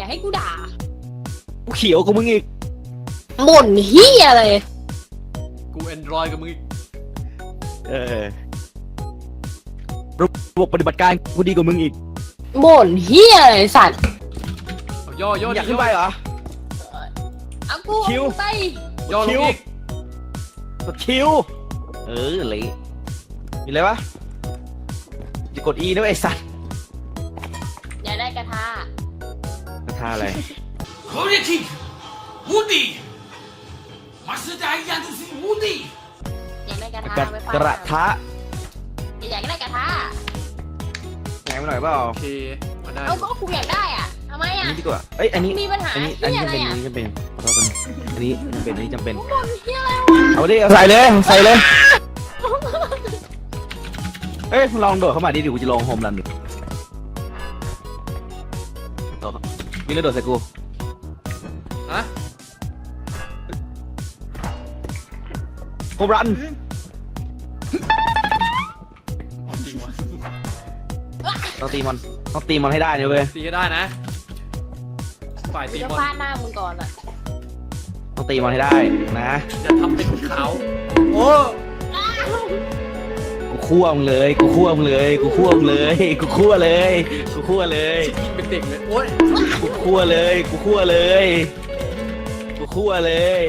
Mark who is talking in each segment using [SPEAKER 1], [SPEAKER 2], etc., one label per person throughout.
[SPEAKER 1] ให้กูด่า
[SPEAKER 2] กูเขียวกับมึงอีก
[SPEAKER 1] บ่นเฮียเลย
[SPEAKER 3] กูแอนดรอยกับมึงอีก
[SPEAKER 2] ระบบปฏิบัติการกูดีกว่ามึงอีก
[SPEAKER 1] บ่นเฮียเลยสัตว์
[SPEAKER 3] เอาย่อย่อ
[SPEAKER 2] อยากขึ้นไปเหรอ
[SPEAKER 1] เอากู
[SPEAKER 2] คิว
[SPEAKER 1] ไป
[SPEAKER 3] ย่อลงอีก
[SPEAKER 2] กดคิวเละมีอะไรวะจะกด E ด้วยไอ้สัตว์
[SPEAKER 1] อย่าได้กระทะ
[SPEAKER 2] กระทาอะไร
[SPEAKER 4] 口令听，无敌，马斯达一样都是无敌。
[SPEAKER 1] อย่าได้กระทะ
[SPEAKER 2] กระ
[SPEAKER 1] ไป
[SPEAKER 2] กระทะ
[SPEAKER 1] อยากได้กระทะ
[SPEAKER 2] ไหนมาหน่อยเปล่า
[SPEAKER 3] โอเคมาได้
[SPEAKER 1] เอาก็กูอยากได้อ่ะทำไม
[SPEAKER 2] อัน
[SPEAKER 1] อ่ะ
[SPEAKER 2] นี้ดีกว่าเอ้ยอันนี้
[SPEAKER 1] มีปัญหา
[SPEAKER 2] อันนี้
[SPEAKER 1] เฮียอะไร
[SPEAKER 2] จำเป็น
[SPEAKER 1] อ่ะ
[SPEAKER 2] อันนี้จำเป็นขอโทษคนอันนี้จำเป็นอันนี้จำเป็น
[SPEAKER 1] บ่นเฮียอะไรวะ
[SPEAKER 2] เอาดิเอาใส่เลยใส่เลยเอ้ยมึงลองโดดเข้ามาดิเดี๋ยวกูจะลองโฮมรันดูโดดวิ่งแล้วโดดใส่กู
[SPEAKER 3] ฮะ
[SPEAKER 2] โฮมรัน
[SPEAKER 3] จริงวะ
[SPEAKER 2] ต้องตีมันต้องตีมันให้ได้นะเว้ย
[SPEAKER 3] ตีก็ได้นะฝ่าย
[SPEAKER 1] กู
[SPEAKER 3] ตี
[SPEAKER 1] จะ
[SPEAKER 3] บอล
[SPEAKER 1] ฟาดหน้ามึงก่อนอ่ะ
[SPEAKER 2] ต้องตีมันให้ได้นะ
[SPEAKER 3] อย่าทำเป็นขาวโอ้
[SPEAKER 2] กูคั่วมึงเลยกูคั่วมึงเลยกูคั่วมึงเลยกูคั่วเลยกูคั่วเลย
[SPEAKER 3] ชิดยิงเป็นเด็กเลยโอ้ย
[SPEAKER 2] กูคั่วเลยกูคั่วเลยกูคั่วเลย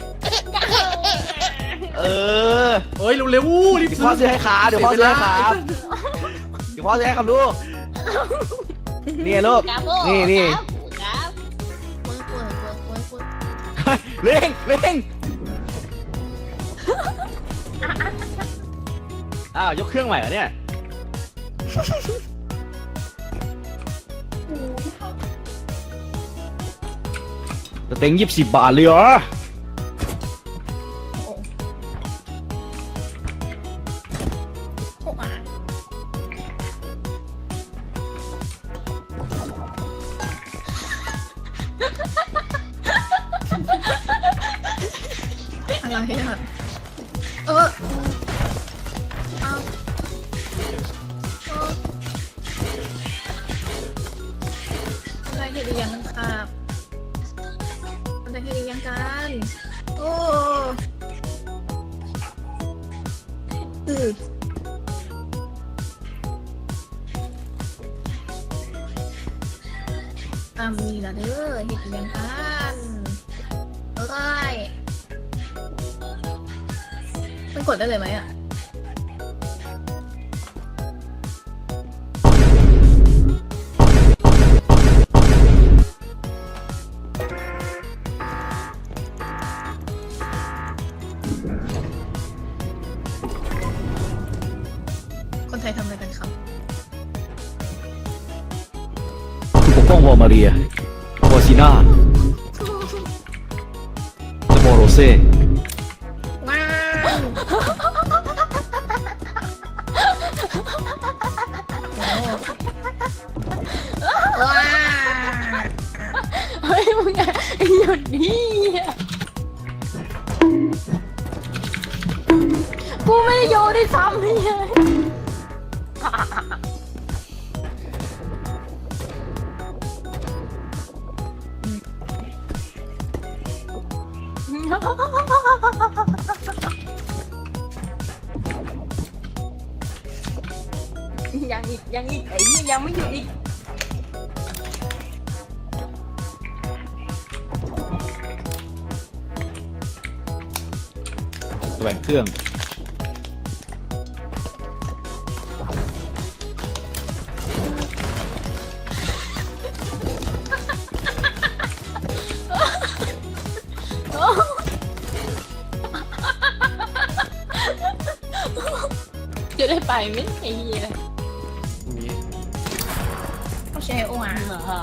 [SPEAKER 2] เออ
[SPEAKER 3] เฮ้ยเร็วๆรีบ
[SPEAKER 2] เดี๋ยวพ่อซื้อให้ขาเดี๋ยวพ่อซื้อให้ขาเดี๋ยวพ่อซื้อให้ครับลูกนี่ลูก
[SPEAKER 1] กราโบ้
[SPEAKER 2] นี่
[SPEAKER 1] กราฟมึง
[SPEAKER 2] เร่งเร่งอ้าวยกเครื่องใหม่เหรอเนี่ยแต่เต็ง20 บาทเลยเหรอ
[SPEAKER 5] อะไรอ่ะเอาอะไรเห็นหรือยังครับอะไรเห็นหรือยังกันโอ้อือมีละเด้อเห็นหรือยังกันเอ้ยมันกดได้เลยไหมอ่ะคนไทยทำอะไรกันครับ
[SPEAKER 2] ปกป้องวอร์มาเรียวอร์ซิน่าและโมโรเซ่
[SPEAKER 5] ว้าวว้าว
[SPEAKER 1] เฮ้ยมึงอะหยุดดิกูไม่ได้โยนได้ซ้ำเลยยังอีกไอ้นี่ยังไม่หยุดอีก
[SPEAKER 2] แหวนเครื่อง
[SPEAKER 1] จะได้ไปไหมไอ้เหี้ย
[SPEAKER 3] นี่
[SPEAKER 5] โอเคโอ้มา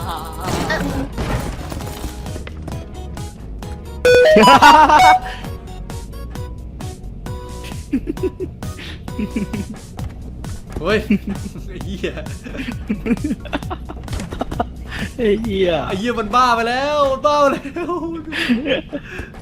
[SPEAKER 3] เฮ้ยไอ้เหี้ย
[SPEAKER 2] ไอ้เหี้ย
[SPEAKER 3] ไอ้เหี้ยมันบ้าไปแล้วมันบ้าไปแล้ว